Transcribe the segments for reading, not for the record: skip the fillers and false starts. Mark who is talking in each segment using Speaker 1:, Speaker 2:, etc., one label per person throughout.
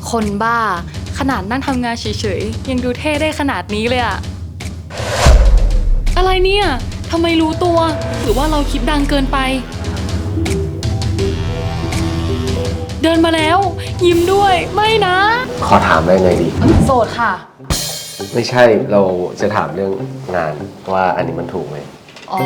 Speaker 1: คนบ้าขนาดนั่งทำงานเฉยๆยังดูเท่ได้ขนาดนี้เลยอะอะไรเนี่ยทำไมรู้ตัวหรือว่าเราคิดดังเกินไปเดินมาแล้วยิ้มด้วยไม่นะ
Speaker 2: ขอถามได้ไงดี
Speaker 1: โสดค่ะ
Speaker 2: ไม่ใช่เราจะถามเรื่องงานว่าอันนี้มันถูกไหม
Speaker 1: อ๋อ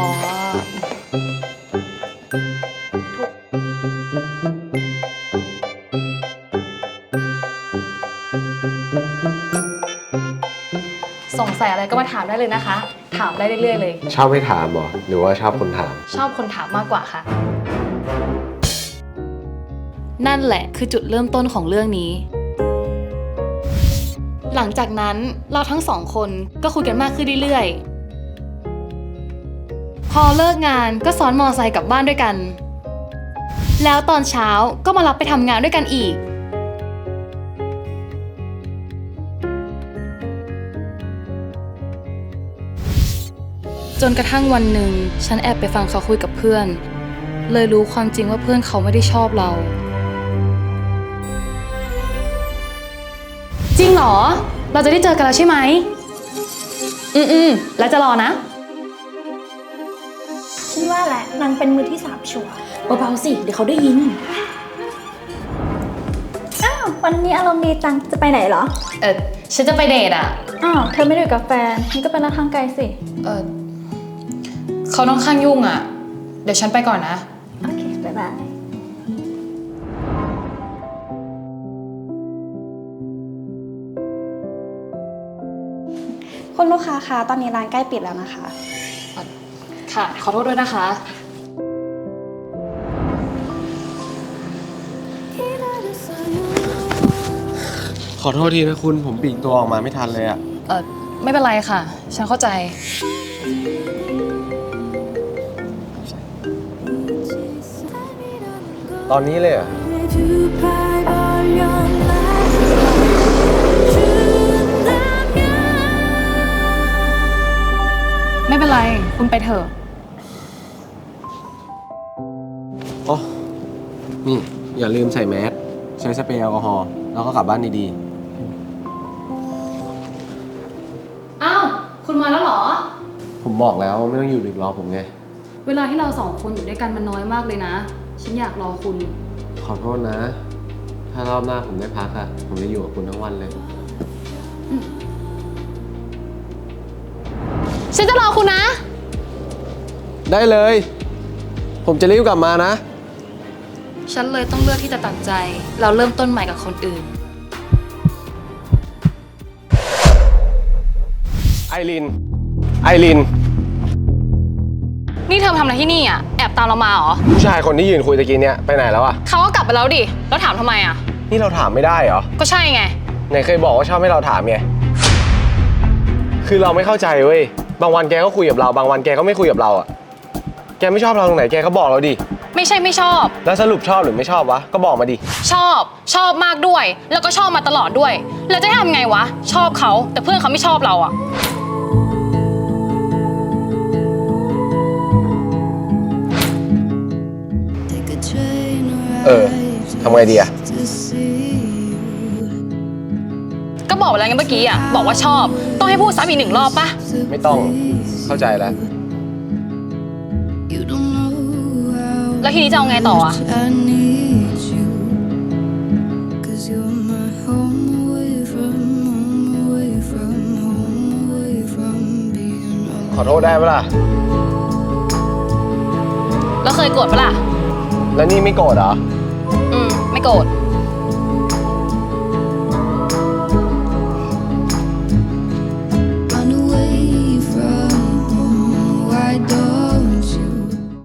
Speaker 1: สงสัยอะไรก็มาถามได้เลยนะคะ ถามได้เรื่อยๆเลย
Speaker 2: ชอบให้ถามเหรอหรือว่าชอบคนถาม
Speaker 1: ชอบคนถามมากกว่าค่ะ นั่นแหละคือจุดเริ่มต้นของเรื่องนี้ หลังจากนั้นเราทั้งสองคนก็คุยกันมากขึ้นเรื่อยๆพอเลิกงานก็ซ้อนมอไซค์กลับบ้านด้วยกันแล้วตอนเช้าก็มารับไปทำงานด้วยกันอีกจนกระทั่งวันหนึ่งฉันแอบไปฟังเขาคุยกับเพื่อนเลยรู้ความจริงว่าเพื่อนเขาไม่ได้ชอบเราจริงเหรอเราจะได้เจอกันแล้วใช่ไหมแล้วจะรอนะ
Speaker 3: ฉันว่าแหละนางเป็นมือที่3ชัวร์
Speaker 1: เบาๆสิเดี๋ยวเขาได้ยิน
Speaker 3: อ้าววันนี้อารมณ์ดีจังจะไปไหนเหรอ
Speaker 1: ฉันจะไปเดทอ่ะ
Speaker 3: อ้าวเธอไม่ได้อยู่กับแฟนนี่ก็เป็นนักทางไกลสิ
Speaker 1: เขาค่อนข้างยุ่งอ่ะเดี๋ยวฉันไปก่อนนะ
Speaker 3: โอเคบ๊ายบายคุณลูกค้าคะตอนนี้ร้านใกล้ปิดแล้วนะคะ
Speaker 1: ค่ะขอโทษด้วยนะคะ
Speaker 2: ขอโทษทีนะคุณผมปลีกตัวออกมาไม่ทันเลยอะ
Speaker 1: ไม่เป็นไรค่ะ ฉันเข้าใจ
Speaker 2: ตอนนี้เลยอะ
Speaker 1: ไม่เป็นไรคุณไปเถอะ
Speaker 2: อ๋อนี่อย่าลืมใส่แมสใช้สเปรย์แอลกอฮอล์แล้วก็กลับบ้านดี
Speaker 1: ๆอ้าวคุณมาแล้วเหรอ
Speaker 2: ผมบอกแล้วไม่ต้องอยู่ดึกรอผมไง
Speaker 1: เวลาที่เราสองคนอยู่ด้วยกันมันน้อยมากเลยนะฉันอยากรอคุณ
Speaker 2: ขอโทษนะถ้ารอบหน้าผมได้พักอะผมจะอยู่กับคุณทั้งวันเลย
Speaker 1: ฉันจะรอคุณนะ
Speaker 2: ได้เลยผมจะรีบกลับมานะ
Speaker 1: ฉันเลยต้องเลือกที่จะตัดใจเราเริ่มต้นใหม่กับคนอื่น
Speaker 2: ไอริน
Speaker 1: นี่เธอทำอะไรที่นี่อ่ะแอบตามเรามาเหรอ
Speaker 2: ผู้ชายคนที่ยืนคุยตะกี้เนี่ยไปไหนแล้วอะ
Speaker 1: เขาก็กลับไปแล้วดิแล้วถามทำไมอ่ะ
Speaker 2: นี่เราถามไม่ได้เหรอ
Speaker 1: ก็ใช่ไง
Speaker 2: ไหนเคยบอกว่าชอบให้เราถามไงคือเราไม่เข้าใจเว้ยบางวันแกก็คุยกับเราบางวันแกก็ไม่คุยกับเราอะแกไม่ชอบเราตรงไหนแกก็บอกเราดิ
Speaker 1: ไม่ใช่ไม่ชอบ
Speaker 2: แล้วสรุปชอบหรือไม่ชอบวะก็บอกมาดิ
Speaker 1: ชอบมากด้วยแล้วก็ชอบมาตลอดด้วยแล้วจะทำไงวะชอบเขาแต่เพื่อนเขาไม่ชอบเราอ่ะ
Speaker 2: ทำไงดีอะ
Speaker 1: ก็บอกไปแล้วไงเมื่อกี้อ่ะบอกว่าชอบต้องให้พูดซ้ำอีก1 รอบปะ
Speaker 2: ไม่ต้องเข้าใจแล้ว
Speaker 1: แล้วทีนี้จะเอาไงต่ออ่ะ
Speaker 2: ขอโทษได้ปะล่ะ
Speaker 1: แล้วเคยโกรธปะล่ะ
Speaker 2: แล้วนี่ไม่โกรธเหรอ
Speaker 1: ไม่โกรธ